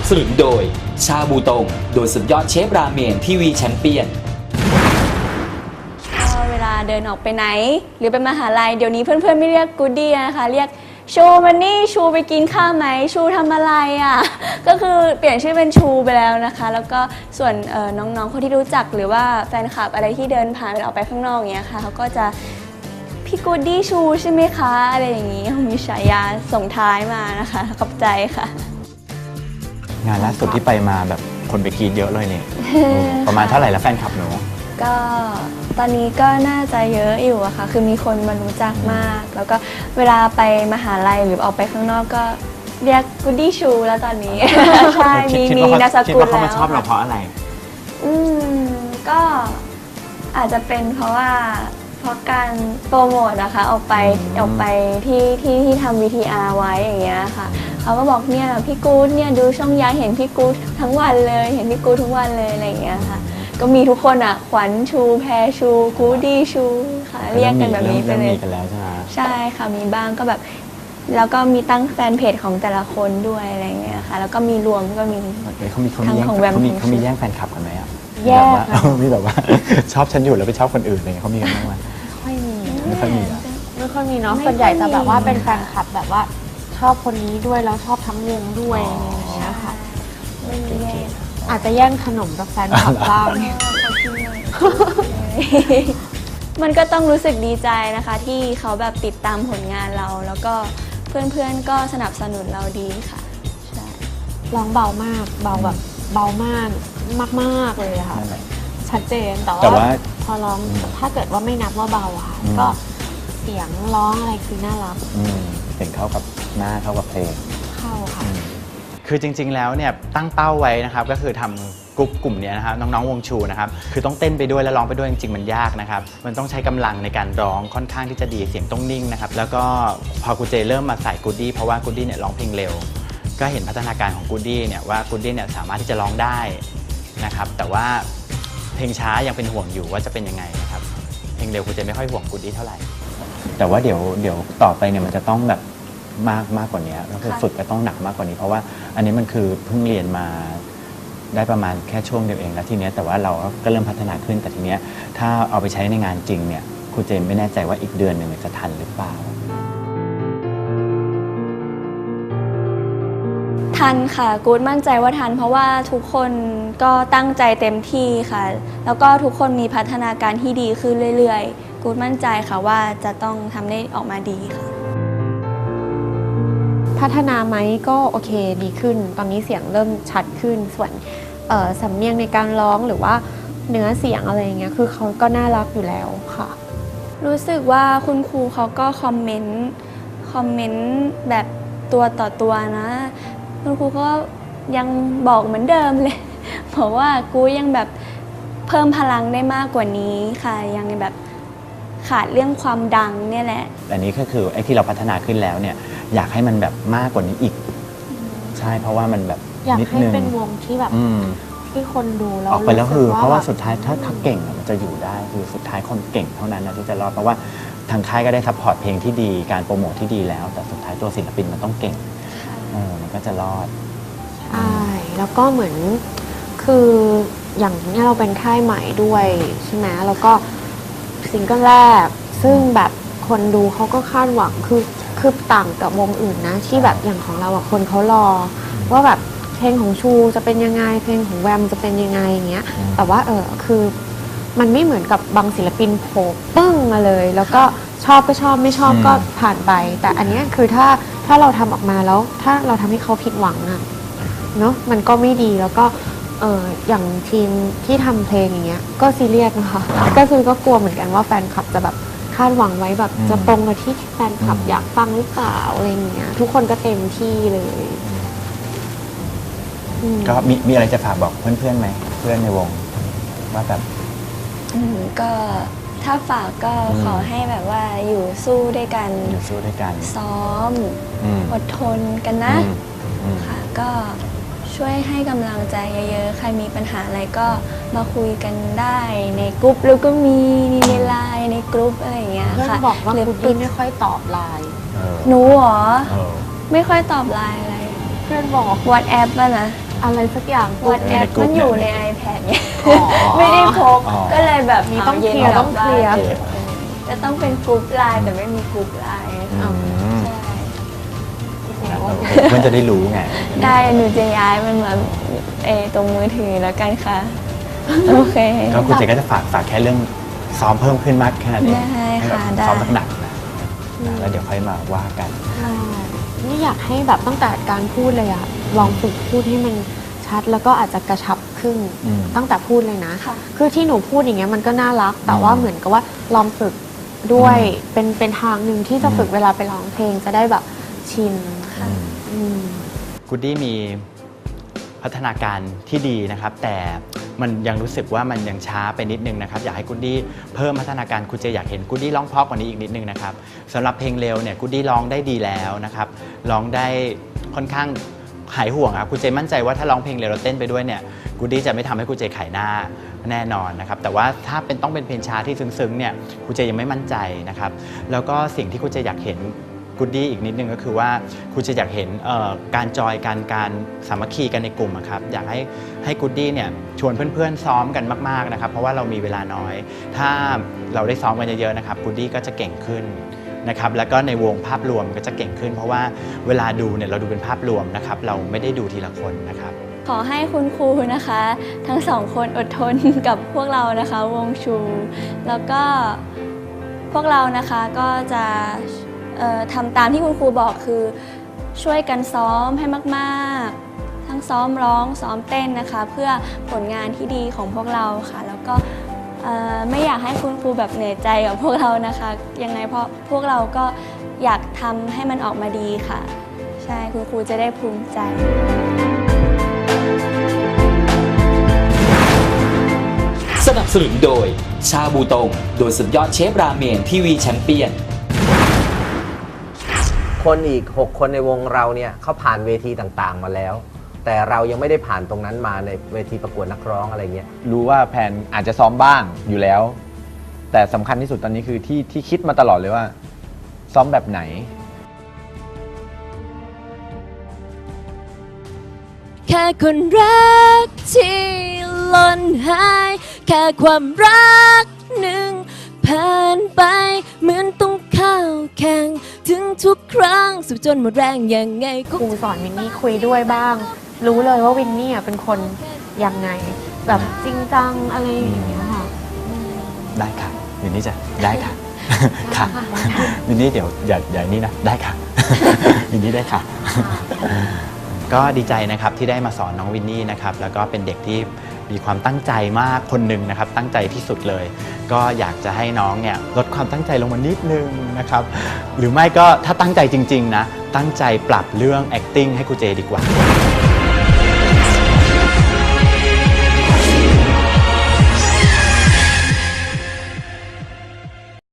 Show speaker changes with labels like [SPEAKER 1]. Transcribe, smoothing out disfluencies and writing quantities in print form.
[SPEAKER 1] สนุนโดยชาบูตงโดยสุดยอดเชฟราเมนทีวีแชมเปี้ยน
[SPEAKER 2] เวลาเดินออกไปไหนหรือไปมหาลัยเดี๋ยวนี้เพื่อนๆไม่เรียกกูดดี้นะคะเรียกชูมันนี่ชูไปกินข้าวไหมชูทำอะไรอ่ะก็คือเปลี่ยนชื่อเป็นชูไปแล้วนะคะแล้วก็ส่วนน้องๆคนที่รู้จักหรือว่าแฟนคลับอะไรที่เดินผ่านออกไปข้างนอกอย่างเงี้ยค่ะเขาก็จะพี่กูดดี้ชูใช่ไหมคะอะไรอย่างนี้มีฉายาส่งท้ายมานะคะขอบใจค่ะ
[SPEAKER 3] งานล่าสุดที่ไปมาแบบคนไปกรีดเยอะเลยเนี่ย ประมาณเท่าไหร่แล้วแฟนคลับหนู
[SPEAKER 2] ก็ตอนนี้ก็น่าจะเยอะอยู่อะค่ะคือมีคนมารู้จักมากแล้วก็เวลาไปมหาลัยหรือออกไปข้างนอกก็เรียกกูดดี้ชูแล้วตอนนี้ ใช่มีนามสกุลแล้วคิด
[SPEAKER 3] ว่าเขามาชอบเราเพราะอะไร
[SPEAKER 2] ก็อาจจะเป็นเพราะการโปรโมทนะคะออกไปที่ทำ VTR ไว้อย่างเงี้ยค่ะเขาก็บอกเนี่ยพี่กู๊ดเนี่ยดูช่องย้ายเห็นพี่กู๊ดทั้งวันเลยเห็นพี่กู๊ดทุกวันเลยอะไรอย่างเงี้ยค่ะก็มีทุกคนอ่ะขวัญชูแพรชูกู๊ดดี้ชูค่ะเรียกกันแบบนี้ไปเลยใช่ค่ะมีบ้างก็แบบแล้วก็มีตั้งแฟนเพจของแต่ละคนด้วยอะไรเงี้ยค่ะแล้วก็มีรวมก็มี
[SPEAKER 3] ทั้งของแวมเขามีแย่งแฟนคลับกันไหมอ่ะ
[SPEAKER 2] แย่
[SPEAKER 3] มีแบบว่าชอบฉันอยู่แล้วไปชอบคนอื่นอะไรเงี้ยเขามีกันบ้างไหม
[SPEAKER 2] ไม่ค่อยมี
[SPEAKER 4] เนาะส่วนใหญ่จะแบบว่าเป็นแฟนคลับแบบว่าชอบคนนี้ด้วยแล้วชอบทั้งวงด้วยอย่างเงี้ยค่ะอาจจะแย่งขนมกับแฟนคลับบ้าง
[SPEAKER 2] มันก็ต้องรู้สึกดีใจนะคะที่เขาแบบติดตามผลงานเราแล้วก็เพื่อนๆก็สนับสนุนเราดีค่ะใช่
[SPEAKER 4] ร้องเบามากเบาแบบเบามากมากๆเลยค่ะชัดเจนแต่ว่าพอร้องถ้าเกิดว่าไม่นับว่าเบาค่ะก็เสียงร้องอะไรคือน่ารัก
[SPEAKER 3] เสียงเข้ากับหน้าเข้ากับเพลง
[SPEAKER 4] เข้าค่ะ
[SPEAKER 3] คือจริงๆแล้วเนี่ยตั้งเป้าไว้นะครับก็คือทำกลุ่มนี้นะครับน้องๆวงชูนะครับคือต้องเต้นไปด้วยและร้องไปด้วยจริงๆมันยากนะครับมันต้องใช้กำลังในการร้องค่อนข้างที่จะดีเสียงต้องนิ่งนะครับแล้วก็พอกูเจเริ่มมาใส่กูดดี้เพราะว่ากูดดี้เนี่ยร้องเพลงเร็วก็เห็นพัฒนาการของกูดดี้เนี่ยว่ากูดดี้เนี่ยสามารถที่จะร้องได้นะครับแต่ว่าเพลงช้ายังเป็นห่วงอยู่ว่าจะเป็นยังไงนะครับเพลงเร็วกูเจไม่ค่อยห่วงกูดดี้เท่าไหร่แต่ว่าเดี๋ยวต่อไปเนี่ยมันจะต้องแบบมากกว่านี้แล้วคือฝึกก็ต้องหนักมากกว่านี้เพราะว่าอันนี้มันคือเพิ่งเรียนมาได้ประมาณแค่ช่วงเดียวเองแล้วทีนี้แต่ว่าเราก็เริ่มพัฒนาขึ้นแต่ทีนี้ถ้าเอาไปใช้ในงานจริงเนี่ยครูเจมไม่แน่ใจว่าอีกเดือนหนึ่งจะทันหรือเปล่า
[SPEAKER 2] ทันค่ะกู๊ดมั่นใจว่าทันเพราะว่าทุกคนก็ตั้งใจเต็มที่ค่ะแล้วก็ทุกคนมีพัฒนาการที่ดีขึ้นเรื่อยๆกู๊ดมั่นใจค่ะว่าจะต้องทำได้ออกมาดีค่ะ
[SPEAKER 4] พัฒนาไหมก็โอเคดีขึ้นตอนนี้เสียงเริ่มชัดขึ้นส่วนสำเนียงในการร้องหรือว่าเนื้อเสียงอะไรอย่างเงี้ยคือเขาก็น่ารักอยู่แล้วค่ะ
[SPEAKER 2] รู้สึกว่าคุณครูเขาก็คอมเมนต์แบบตัวต่อตัวนะคุณครูก็ยังบอกเหมือนเดิมเลยบอกว่ากูยังแบบเพิ่มพลังได้มากกว่านี้ค่ะยังแบบขาดเรื่องความดังเนี่ยแหละ
[SPEAKER 3] อันนี้ก็คือไอ้ที่เราพัฒนาขึ้นแล้วเนี่ยอยากให้มันแบบมากกว่านี้อีกใช่เพราะว่ามันแบบ
[SPEAKER 4] อยากให้เป็นวงที่แบบที่คนดูแล้ว
[SPEAKER 3] ออกไปแล้วคือเพราะว่าสุดท้ายถ้าเก่งมันจะอยู่ได้คือสุดท้ายคนเก่งเท่านั้นนะที่จะรอดเพราะว่าทางค่ายก็ได้ซัพพอร์ตเพลงที่ดีการโปรโมทที่ดีแล้วแต่สุดท้ายตัวศิลปินมันต้องเก่งมันก็จะรอด
[SPEAKER 4] ใช่แล้วก็เหมือนคืออย่างนี้เราเป็นค่ายใหม่ด้วยใช่ไหมแล้วก็ซิงเกิลแรกซึ่งแบบคนดูเขาก็คาดหวังคือต่างกับวงอื่นนะที่แบบอย่างของเราคนเขารอว่าแบบเพลงของชูจะเป็นยังไงเพลงของแวมจะเป็นยังไงอย่างเงี้ยแต่ว่าคือมันไม่เหมือนกับบางศิลปินโผล่ปึ้งมาเลยแล้วก็ชอบก็ชอบไม่ชอบก็ผ่านไปแต่อันนี้คือถ้าเราทำออกมาแล้วถ้าเราทำให้เขาผิดหวังอะเนาะมันก็ไม่ดีแล้วก็อย่างทีมที่ทำเพลงอย่างเงี้ยก็ซีเรียสนะคะก็คือก็กลัวเหมือนกันว่าแฟนคลับจะแบบคาดหวังไว้แบบจะตรงกับที่แฟนคลับอยากฟังหรือเปล่าอะไรเงี้ยทุกคนก็เต็มที่เลย
[SPEAKER 3] ก็มีอะไรจะฝากบอกเพื่อนๆไหมเพื่อนในวงว่าแบบ
[SPEAKER 2] ก็ถ้าฝากก็ขอให้แบบว่าอยู่สู้ด้วยกันซ้อมอดทนกันนะค่ะก็ช่วยให้กำลังใจเยอะๆใครมีปัญหาอะไรก็มาคุยกันได้ในกลุ่มแล้วก็มีในไลน์ในกลุ่มอะไรอย่างเงี้ยค่ะ
[SPEAKER 4] เพื่อนบอกว่าคุณพี่ไม่ค่อยตอบไลน์
[SPEAKER 2] หนูหรอไม่ค่อยตอบไลน์อะไรเพื่อนบอกWhatsApp ป่ะนะ
[SPEAKER 4] อะไรสักอย่าง
[SPEAKER 2] วอทแอปมันอยู่ใน iPad เนี่ย
[SPEAKER 4] อ๋อ
[SPEAKER 2] ไม่ได้พก
[SPEAKER 3] อ๋อ
[SPEAKER 2] ก็เลยแบบ
[SPEAKER 4] มีต้อง
[SPEAKER 2] ย็น
[SPEAKER 4] เคลียร์
[SPEAKER 2] ก
[SPEAKER 4] ต้องเคลียร์
[SPEAKER 2] บ้านจะต้องเป็นกรุ๊ปไลน์แต่ไม่มีกรุ๊ปไลน์ค่ะ ใช่
[SPEAKER 3] เพื่อนจะได้รู้ไง
[SPEAKER 2] ได้หนูจะย้ายมันมาตรงมือถือแล้วกันค่ะ โอเค
[SPEAKER 3] ก็คุณเจก็จะฝากแค่เรื่องซ้อมเพิ่มขึ้นมากแค่นั้นเอง
[SPEAKER 2] ได้ค่ะ
[SPEAKER 3] ให้แบบ
[SPEAKER 2] ได้
[SPEAKER 3] ซ้อมหนักๆนะแล้วเดี๋ยวค่อยมาว่ากัน
[SPEAKER 4] ใช่นี่อยากให้แบบตั้งแต่การพูดเลยอะลองฝึกพูดให้มันชัดแล้วก็อาจจะกระชับขึ้น
[SPEAKER 3] อืม
[SPEAKER 4] ตั้งแต่พูดเลยนะ
[SPEAKER 2] ค่ะ
[SPEAKER 4] คือที่หนูพูดอย่างเงี้ยมันก็น่ารัก แต่ว่าเหมือนกับว่าลองฝึกด้วยเป็นทางหนึ่งที่จะฝึกเวลาไปร้องเพลงจะได้แบบชิน อืม
[SPEAKER 3] กูดดี้มีพัฒนาการที่ดีนะครับ แต่มันยังรู้สึกว่ามันยังช้าไปนิดนึงนะครับอยากให้กูดดี้เพิ่มพัฒนาการคุณเจอยากเห็นกูดดี้ร้องเพราะกว่านี้อีกนิดนึงนะครับสำหรับเพลงเร็วเนี่ยกูดดี้ร้องได้ดีแล้วนะครับร้องได้ค่อนข้างหายห่วงครับคุณเจมั่นใจว่าถ้าร้องเพลงเร็วแล้วเต้นไปด้วยเนี่ยกูดดี้จะไม่ทำให้คุณเจขายหน้าแน่นอนนะครับแต่ว่าถ้าต้องเป็นเพลงช้าที่ซึ้งๆเนี่ยคุณเจยังไม่มั่นใจนะครับแล้วก็สิ่งที่คุณเจอยากเห็นกูดดี้อีกนิดนึงก็คือว่าคุณจะอยากเห็นการจอยการสามัคคีกันในกลุ่มอะครับอยากให้กูดดี้เนี่ยชวนเพื่อนๆซ้อมกันมากๆนะครับเพราะว่าเรามีเวลาน้อยถ้าเราได้ซ้อมกันเยอะๆนะครับกูดดี้ก็จะเก่งขึ้นนะครับแล้วก็ในวงภาพรวมก็จะเก่งขึ้น เพราะว่าเวลาดูเนี่ยเราดูเป็นภาพรวมนะครับเราไม่ได้ดูทีละคนนะครับ
[SPEAKER 2] ขอให้คุณครูนะคะ ทั้งสองคนอดทนกับพวกเรานะคะวงชู แล้วก็พวกเรานะคะก็จะทำตามที่คุณครูบอกคือช่วยกันซ้อมให้มากๆ ทั้งซ้อมร้องซ้อมเต้นนะคะ เพื่อผลงานที่ดีของพวกเราค่ะ แล้วก็ไม่อยากให้คุณครูแบบเหนื่อยใจกับพวกเรานะคะยังไงเพราะพวกเราก็อยากทำให้มันออกมาดีค่ะใช่คุณครูจะได้ภูมิใจ
[SPEAKER 1] สนับสนุนโดยชาบูตงโดยสุดยอดเชฟราเมนทีวีแชมเปี้ยน
[SPEAKER 5] คนอีก 6 คนในวงเราเนี่ยเขาผ่านเวทีต่างๆมาแล้ว แต่เรายังไม่ได้ผ่านตรงนั้นมาในเวทีประกวดนักร้องอะไรเงี้ย
[SPEAKER 6] รู้ว่าแพนอาจจะซ้อมบ้างอยู่แล้ว แต่สำคัญที่สุดตอนนี้คือที่คิดมาตลอดเลยว่า ซ้อมแบบไหน
[SPEAKER 7] แค่คนรักที่หล่นหายแค่ความรักหนึ่งผ่านไปเหมือนต้องเข้าแข่งถึงทุกครั้งสุดจนหมดแรงยังไง
[SPEAKER 4] ครูสอนวินนี่คุยด้วยบ้าง รู้เลยว่าวินนี่เป็นคนยังไง แบบจริงจังอะไรอย่างเงี้ยค่ะ
[SPEAKER 3] ได้ค่ะวินนี่จะได้ค่ะ ค่ะวินนี่เดี๋ยวอย่านี่นะได้ค่ะ วินนี่ได้ค่ะ ก็ดีใจนะครับที่ได้มาสอนน้องวินนี่นะครับแล้วก็เป็นเด็กที่มีความตั้งใจมากคนหนึ่งนะครับตั้งใจที่สุดเลย ก็อยากจะให้น้องเนี่ยลดความตั้งใจลงมานิดนึงนะครับหรือไม่ก็ถ้าตั้งใจจริงๆนะตั้งใจปรับเรื่อง acting ให้ครูเจดีกว่า